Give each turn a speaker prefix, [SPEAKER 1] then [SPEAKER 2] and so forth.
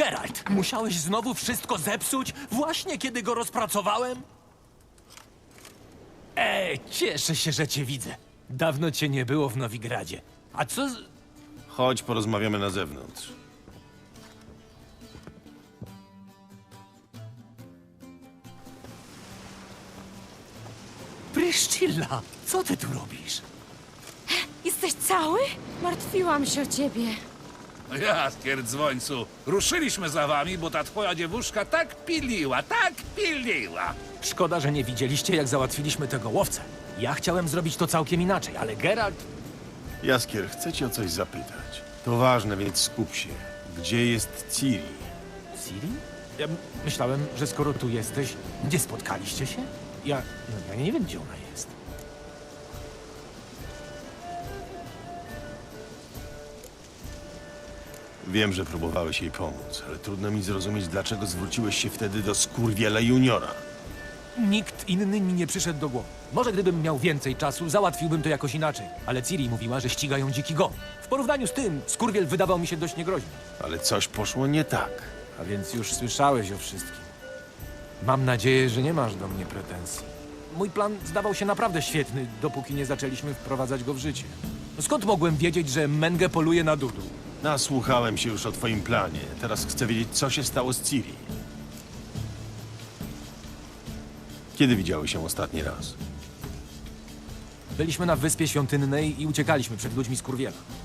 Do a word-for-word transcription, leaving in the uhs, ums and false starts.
[SPEAKER 1] Geralt, musiałeś znowu wszystko zepsuć, właśnie kiedy go rozpracowałem? Ej, cieszę się, że cię widzę. Dawno cię nie było w Nowigradzie. A co z...
[SPEAKER 2] Chodź, porozmawiamy na zewnątrz.
[SPEAKER 1] Pryszcilla, co ty tu robisz?
[SPEAKER 3] Jesteś cały? Martwiłam się o ciebie.
[SPEAKER 4] Jaskier, dzwońcu, ruszyliśmy za wami, bo ta twoja dziewuszka tak piliła, tak piliła.
[SPEAKER 1] Szkoda, że nie widzieliście, jak załatwiliśmy tego łowcę. Ja chciałem zrobić to całkiem inaczej, ale Geralt...
[SPEAKER 2] Jaskier, chcę cię o coś zapytać. To ważne, więc skup się. Gdzie jest Ciri?
[SPEAKER 1] Ciri? Ja myślałem, że skoro tu jesteś, gdzie spotkaliście się? Ja... No, ja nie wiem, gdzie ona jest.
[SPEAKER 2] Wiem, że próbowałeś jej pomóc, ale trudno mi zrozumieć, dlaczego zwróciłeś się wtedy do Skurwiela Juniora.
[SPEAKER 1] Nikt inny mi nie przyszedł do głowy. Może gdybym miał więcej czasu, załatwiłbym to jakoś inaczej. Ale Ciri mówiła, że ścigają dziki gon. W porównaniu z tym, Skurwiel wydawał mi się dość niegroźny.
[SPEAKER 2] Ale coś poszło nie tak.
[SPEAKER 1] A więc już słyszałeś o wszystkim. Mam nadzieję, że nie masz do mnie pretensji. Mój plan zdawał się naprawdę świetny, dopóki nie zaczęliśmy wprowadzać go w życie. Skąd mogłem wiedzieć, że Menge poluje na Dudu?
[SPEAKER 2] Nasłuchałem się już o twoim planie. Teraz chcę wiedzieć, co się stało z Ciri. Kiedy widziały się ostatni raz?
[SPEAKER 1] Byliśmy na Wyspie Świątynnej i uciekaliśmy przed ludźmi Skurwiela.